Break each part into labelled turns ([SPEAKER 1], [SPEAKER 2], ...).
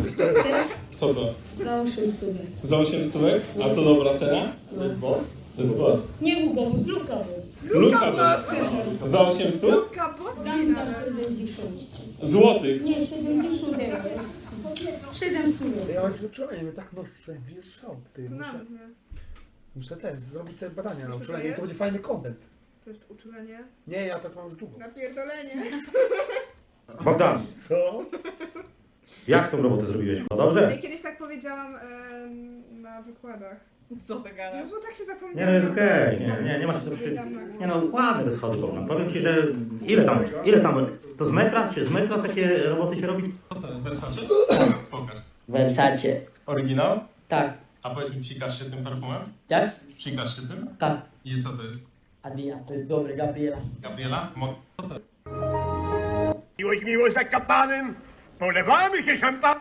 [SPEAKER 1] Co to?
[SPEAKER 2] Za 800.
[SPEAKER 1] Za 800? A to dobra cena?
[SPEAKER 3] To jest boss?
[SPEAKER 1] To jest boss.
[SPEAKER 2] Nie Hugo, z Luka jest.
[SPEAKER 1] Luka boss. Za 800?
[SPEAKER 4] Luka Bossi
[SPEAKER 2] Dam za
[SPEAKER 4] nawet.
[SPEAKER 2] 70.
[SPEAKER 1] Złotych.
[SPEAKER 2] Nie, 70 jest. 700.
[SPEAKER 3] Ja mam jakieś uczulenie, mnie tak mocno bijesz w szok, ty.
[SPEAKER 4] To
[SPEAKER 3] Muszę,
[SPEAKER 4] nawet nie.
[SPEAKER 3] muszę też zrobić sobie badania na
[SPEAKER 4] Wiesz, co to
[SPEAKER 3] uczulenie i to
[SPEAKER 4] jest?
[SPEAKER 3] będzie fajny content.
[SPEAKER 4] To jest uczulenie.
[SPEAKER 3] Nie, ja tak mam już długo.
[SPEAKER 4] Napierdolenie.
[SPEAKER 5] Bogdan,
[SPEAKER 3] Co?
[SPEAKER 5] jak tą robotę zrobiłeś? No dobrze?
[SPEAKER 4] Ja kiedyś tak powiedziałam na wykładach.
[SPEAKER 6] Co ty gadasz?
[SPEAKER 4] No bo tak się
[SPEAKER 5] Nie,
[SPEAKER 4] zapomniałam.
[SPEAKER 5] no jest okej, nie ma co
[SPEAKER 4] Powiedziałam na głos.
[SPEAKER 5] Nie no, ładne te schody, Bogdan. Powiem ci, że ile tam, to z metra, czy z metra takie roboty się robi?
[SPEAKER 1] Co to jest? Versace? Pokaż.
[SPEAKER 7] Wersacie.
[SPEAKER 1] Oryginał?
[SPEAKER 7] Tak.
[SPEAKER 1] A powiedz mi, psikasz się tym perfumem?
[SPEAKER 7] Jak?
[SPEAKER 1] Psikasz się tym?
[SPEAKER 7] Tak.
[SPEAKER 1] I co to jest?
[SPEAKER 7] Adrian, to jest dobre, Gabriela.
[SPEAKER 1] Gabriela? Co to jest?
[SPEAKER 8] Miłość za kapanem, polewamy się szampan.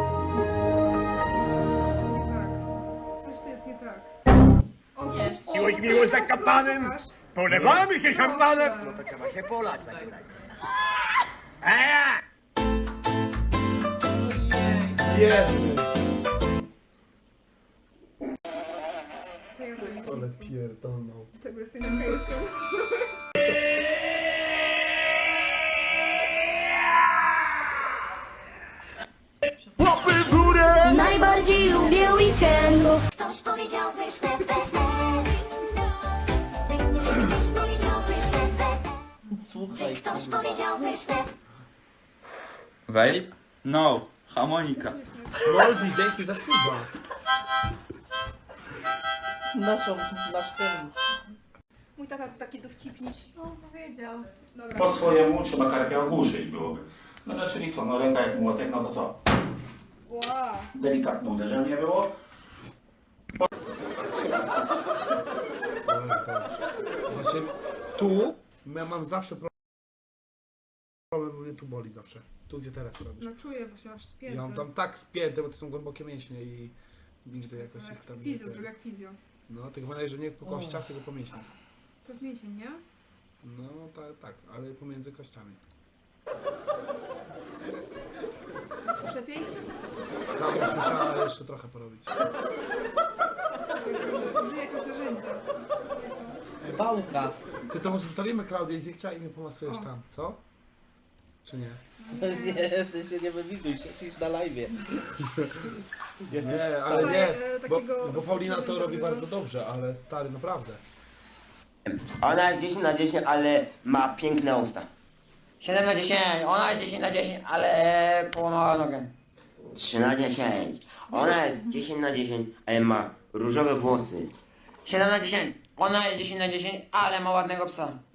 [SPEAKER 4] Coś jest nie tak. Coś tu jest nie tak. O,
[SPEAKER 6] Jest.
[SPEAKER 4] o,
[SPEAKER 8] Miłość
[SPEAKER 4] proszę,
[SPEAKER 8] za
[SPEAKER 4] proszę,
[SPEAKER 8] kapanem,
[SPEAKER 4] pokaż.
[SPEAKER 8] polewamy się szampanem.
[SPEAKER 4] Proszę.
[SPEAKER 8] No to trzeba się polać w takim razie. Eee!
[SPEAKER 3] Biedny.
[SPEAKER 4] To ja zajmę
[SPEAKER 3] Ale
[SPEAKER 4] się z tym.
[SPEAKER 3] pierdolną.
[SPEAKER 4] Dlatego jestem jaka jestem.
[SPEAKER 8] Łapy w górę!
[SPEAKER 9] Najbardziej lubię weekendów. Ktoś powiedział pyszne Ktoś powiedział pyszne
[SPEAKER 6] Słuchaj,
[SPEAKER 9] Ktoś powiedział pyszne.
[SPEAKER 10] Vape? No. Harmonika.
[SPEAKER 3] Moldi, dzięki za suba.
[SPEAKER 6] nasz ten.
[SPEAKER 4] Mój tata to taki dowcipniś.
[SPEAKER 6] No, powiedział.
[SPEAKER 4] Dobra.
[SPEAKER 5] Po swojemu trzeba karpia ogłuszyć byłoby. No no, czyli co, no ręka jak młotek, no to co?
[SPEAKER 4] Wow.
[SPEAKER 5] Delikatne uderzenie było.
[SPEAKER 3] Ale dobrze. Właśnie tu ja mam zawsze problem, bo mnie tu boli zawsze. Tu gdzie teraz robisz.
[SPEAKER 4] No czuję właśnie aż spięte.
[SPEAKER 3] Ja mam tam tak spięte, bo to są głębokie mięśnie i nigdy jakoś ich tam nie...
[SPEAKER 4] Fizjo, zrobię jak fizjo.
[SPEAKER 3] No, tylko wydaje, że nie po kościach, tylko po mięśniach.
[SPEAKER 4] To jest mięsień, nie?
[SPEAKER 3] No tak, ale pomiędzy kościami.
[SPEAKER 4] Już lepiej?
[SPEAKER 3] Tam już musiała jeszcze trochę porobić.
[SPEAKER 4] Użyję jakiegoś narzędzia.
[SPEAKER 6] Wałka.
[SPEAKER 3] Ty to może zostawimy Klaudię i zechcia i mnie pomasujesz
[SPEAKER 4] O.
[SPEAKER 3] tam, co? Czy nie?
[SPEAKER 6] Nie, ty się nie wymiguj, siedzisz na live'ie.
[SPEAKER 3] Nie, ale nie, bo,
[SPEAKER 4] takiego
[SPEAKER 3] bo Paulina to
[SPEAKER 4] narzędzia
[SPEAKER 3] robi
[SPEAKER 4] używa.
[SPEAKER 3] bardzo dobrze, ale stary, naprawdę.
[SPEAKER 11] Ona jest 10 na 10, ale ma piękne usta. 7 na 10, ona jest 10 na 10, ale połamała nogę. 3 na 10, ona jest 10 na 10, ale ma różowe włosy. 7 na 10, ona jest 10 na 10, ale ma ładnego psa.